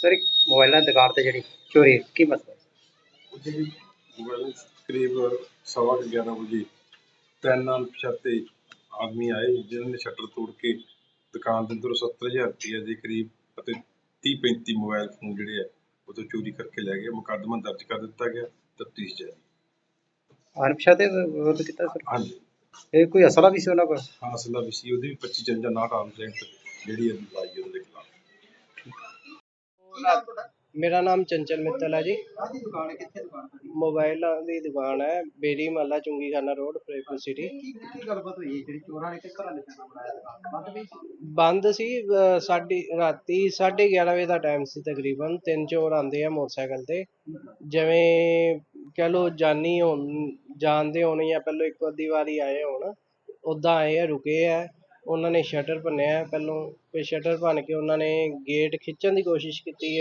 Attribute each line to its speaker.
Speaker 1: Sir ਇੱਕ ਮੋਬਾਈਲਾਂ ਦੀ ਦੁਕਾਨ ਤੇ ਜਿਹੜੀ ਚੋਰੀ ਕੀ ਮਸਲਾ?
Speaker 2: ਜਿਹੜੀ ਮੋਬਾਈਲ ਕਰੀਬ 11:15 ਵਜੇ ਤਿੰਨ ਅਣਪਛਾਤੇ ਆਦਮੀ ਆਏ ਜਿਨ੍ਹਾਂ ਨੇ ਸ਼ਟਰ ਤੋੜ ਕੇ ਦੁਕਾਨ ਦੇ ਅੰਦਰੋਂ 70,000 ਰੁਪਏ ਦੇ ਕਰੀਬ ਅਤੇ 30-35 ਮੋਬਾਈਲ ਫੋਨ ਜਿਹੜੇ ਆ ਉਹ ਤੋਂ ਚੋਰੀ ਕਰਕੇ ਲੈ ਗਏ। ਮੁਕੱਦਮਾ ਦਰਜ ਕਰ ਦਿੱਤਾ ਗਿਆ, ਤਫਤੀਸ਼ ਜਾਰੀ।
Speaker 1: ਅਣਪਛਾਤੇ ਵਿਰੁੱਧ ਕੀਤਾ ਸਰ?
Speaker 2: ਹਾਂਜੀ,
Speaker 1: ਇਹ ਕੋਈ ਅਸਲਾ ਵੀ ਸੀ ਉਹਨਾਂ ਕੋਲ?
Speaker 2: ਹਾਂ ਅਸਲਾ ਵੀ ਸੀ, ਉਹਦੀ ਵੀ 25/59 ਆਰਮਸ ਲੈਂਥ ਜਿਹੜੀ ਹੈ ਲਾਈ ਉਹਦੇ ਖਿਲਾਫ।
Speaker 3: ਮੇਰਾ ਨਾਮ ਚੰਚਲ ਮਿੱਤਲ ਹੈ ਜੀ। ਮੋਬਾਈਲਾਂ ਦੀ ਦੁਕਾਨ ਹੈ, ਬੇਰੀ ਮਹੱਲਾ ਚੁੰਗੀਖਾਨਾ ਰੋਡ, ਫਰੀਦਕੋਟ ਸਿਟੀ।
Speaker 1: ਕੀ ਗੱਲਬਾਤ ਹੋਈ ਜਿਹੜੀ ਚੋਰਾਂ ਨੇ ਕਿਸ ਤਰ੍ਹਾਂ ਨਿਸ਼ਾਨਾ ਬਣਾਇਆ ਦੁਕਾਨ
Speaker 3: ਬੰਦ ਸੀ। ਸਾਡੀ ਰਾਤੀ 11:30 ਵਜੇ ਦਾ ਟਾਈਮ ਸੀ ਤਕਰੀਬਨ। ਤਿੰਨ ਚੋਰ ਆਉਂਦੇ ਆ ਮੋਟਰਸਾਈਕਲ ਤੇ, ਜਿਵੇਂ ਕਹਿ ਲਓ ਜਾਣਦੇ ਹੋਣ ਜਾਂ ਪਹਿਲਾਂ ਇੱਕ ਅੱਧੀ ਵਾਰੀ ਆਏ ਹੋਣ, ਉੱਦਾਂ ਆਏ ਆ, ਰੁਕੇ ਆ। ਉਹਨਾਂ ਨੇ ਸ਼ਟਰ ਭੰਨਿਆ ਪਹਿਲੋਂ, ਫਿਰ ਸ਼ਟਰ ਭੰਨ ਕੇ ਉਹਨਾਂ ਨੇ ਗੇਟ ਖਿੱਚਣ ਦੀ ਕੋਸ਼ਿਸ਼ ਕੀਤੀ ਹੈ।